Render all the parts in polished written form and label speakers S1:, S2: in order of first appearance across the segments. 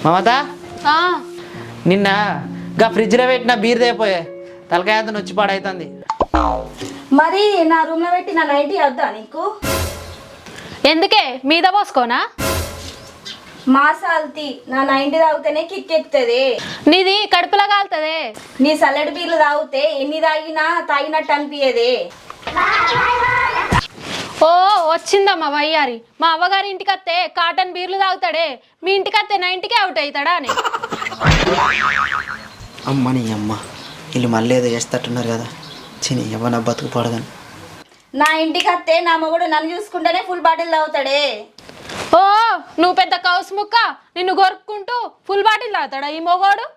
S1: మమత నిన్న గా ఫ్రిడ్జ్లో పెట్టిన బీర్ తేపోయే తలకాయ అంతా నొచ్చి పాడైతుంది.
S2: మరి నా రూమ్ లో పెట్టి నా నైటీ వద్దా నీకు?
S3: ఎందుకే మీద పోసుకోనా?
S2: మాసాల్తి నా నైటీ తాగితేనే కిక్ ఎక్కుతుంది.
S3: నీది కడుపులో కాలుతుంది.
S2: నీ సల్లడి బీర్లు తాగితే ఎన్ని తాగినా తాగినట్టు అనిపించదే.
S3: ఓ వచ్చిందమ్మా వయ్యారి. మా అవ్వగారి ఇంటికి వస్తే కాటన్ బీర్లు తాగుతాడే, మీ ఇంటికి వస్తే 90కే అవుట్ అవుతాడా అని.
S1: అమ్మని అమ్మ వీళ్ళు మళ్ళీ ఏదో చేస్తట్టున్నారు కదా. చిని ఎవరన్నా బతుకు పడదని.
S2: నా ఇంటికి వస్తే నా మొగుడు నన్ను చూసుకుంటేనే ఫుల్ బాటిల్ తాగుతాడే.
S3: ఓ నువ్వు పెద్ద కౌసు ముక్క, నిన్ను గొరుక్కుంటూ ఫుల్ బాటిల్ తాగుతాడా ఈ మొగోడు?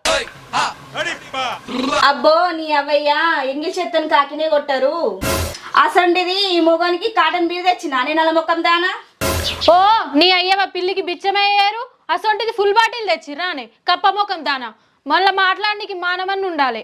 S2: అబ్బో నీ అవ్వయ్య ఇంగ్లీష్ ఎత్తని కాకినే కొట్టారు. అసంటిది ఈ మొగానికి కాటన్ బీర్ తెచ్చిన నేను అలా మొక్కం దానా.
S3: ఓ నీ అయ్యవ పిల్లికి బిచ్చమయ్యారు, అసొంటిది ఫుల్ బాటిల్ తెచ్చిర్రా అని కప్ప మొఖం దానా. మళ్ళీ మాట్లాడడానికి మానవన్ని ఉండాలి.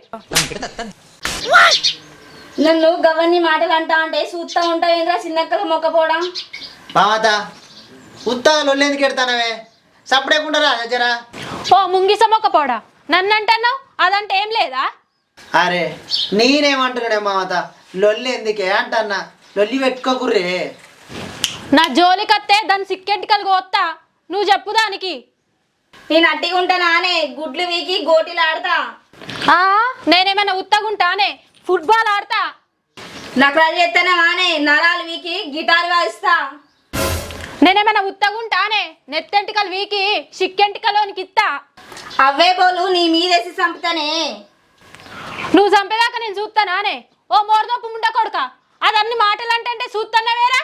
S2: నన్ను గవర్ని మాటలు అంటా అంటే చూస్తా ఉంటావేంద్రా చిన్నక్కల మొక్కపోవడం.
S1: మామత ఉత్తగా ఎందుకు ఎడతానవే సప్పుడేకుంటారా జరా.
S3: ఓ ముంగిస మొక్కపోడా నన్ను అంటున్నావు, అదంటే ఏం లేదా?
S1: అరే నేనేమంటున్నాడే మామత లొల్లి ఎందుకే అంటన్నా. లొల్లి పెట్టుకోకుర్రే.
S3: నా జోలికత్తే దాన్ని సిక్కెంటికలు కోత్తా, నువ్వు చెప్పు దానికి.
S2: నేను అట్టిగా ఉంటానానే గుడ్లు వీకి గోటీలు ఆడతా.
S3: నేనేమైనా ఉత్తగుంటానే ఫుట్బాల్ ఆడతా.
S2: నకరాలు చేస్తానానే నరాలు వీకి గిటార్ వాయిస్తా.
S3: నేనేమైనా ఉత్తగుంటానే నెత్తెంటికలు వీకి సిక్కెంటికలోనికి ఇస్తా.
S2: అవే బోలు నీ మీదేసి చంపుతానే.
S3: నువ్వు చంపేదాకా నేను చూస్తానానే. ఓ మోరదొప్పు ముండ కొడుక, అదన్ని మాటలు అంటే చూస్తానా వేరా?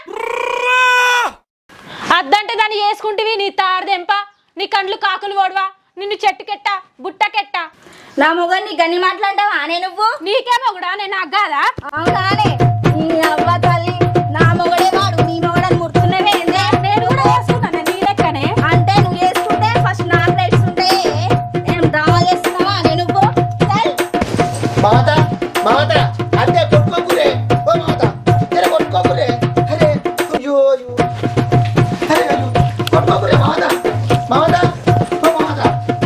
S3: అద్దంటే దాన్ని చేసుకుంటేవి నీ తారదెంప, నీ కండ్లు కాకులు ఓడవా, నిన్ను చెట్టుకెట్ట బుట్టకెట్ట.
S2: నా మొగని గన్ని మాట్లాడతావా అనే నువ్వు?
S3: నీకేమో కూడా నేను అగ్గాదా?
S2: అవునానే నీ అవ్వ తల్లి నా మొగడే వాడు నీ మొగడని ముడుతున్నవే.
S3: నేను కూడా చేసుకున్నాను నీ లెక్కనే.
S2: అంటే నువ్వు చేసుకుంటే ఫస్ట్ నాకు తెలుస్తుంటే ఏం డ్రామా చేస్తున్నావా అనే నువ్వు?
S1: మామత మామత అంతే కొట్టుకోకురే. ఓ మామత జర కొట్టుకోకురే. అరే అయ్యో అయ్యో అరే అయ్యో కొట్టుకోకురే మామత. మామత ఓ మామత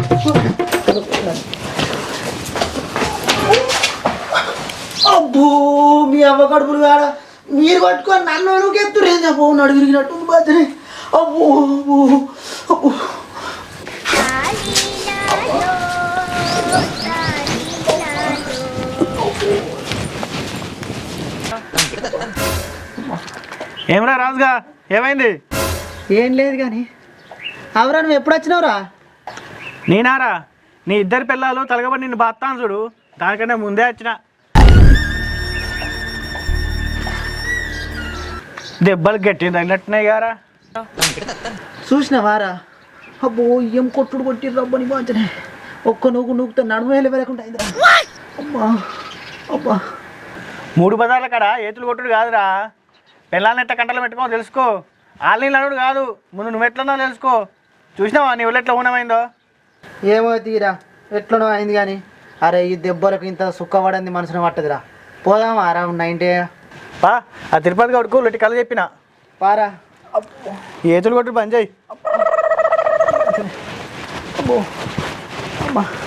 S1: అబ్బో మీ అవ్వ కడుపులు కాడ మీరు కొట్టుకొని నన్ను అడుగు ఎత్తురేం చెప్పు నడు విరిగినట్టుంది బాధ్యనే. అబ్బో అబ్బో అబ్బో
S4: ఏమరా రాజుగా ఏమైంది?
S1: ఏం లేదు కానీ అవరా నువ్వు ఎప్పుడు వచ్చినావురా?
S4: నేనారా నీ ఇద్దరు పిల్లలు తలగబడి నిన్ను బాత్తాను చూడు, దానికంటే ముందే వచ్చిన. దెబ్బలు గట్టి తగినట్టున్నాయి గారా.
S1: చూసినావారా? అబ్బో ఏం కొట్టుడు కొట్టి రబ్బని బాంచనే. ఒక్క నూకుతో నడుము వెళ్ళకుండా అయిందిరా. అబ్బా అబ్బా
S4: 3 బజార్ల కాడ ఏతులు కొట్టుడు కాదురా, పిల్లల్ని ఎట్లా కంటలు పెట్టుకో తెలుసుకో. వాళ్ళని అడుగుడు కాదు, ముందు నువ్వు ఎట్లన్నావు తెలుసుకో. చూసినావా నీ ఊళ్ళో ఎట్లా ఊనమైందో?
S1: ఏమో తీరా ఎట్లనో అయింది కానీ అరే ఈ దెబ్బలకు ఇంత సుఖపడింది మనసును పట్టదురా. పోదామా రా 90
S4: పా ఆ తిరుపతి కొడుకు లొట్టి కళ్ళు చెప్పిన
S1: పారా.
S4: ఏతులు కొట్టుడు పని చేయి.
S1: అబ్బో అమ్మా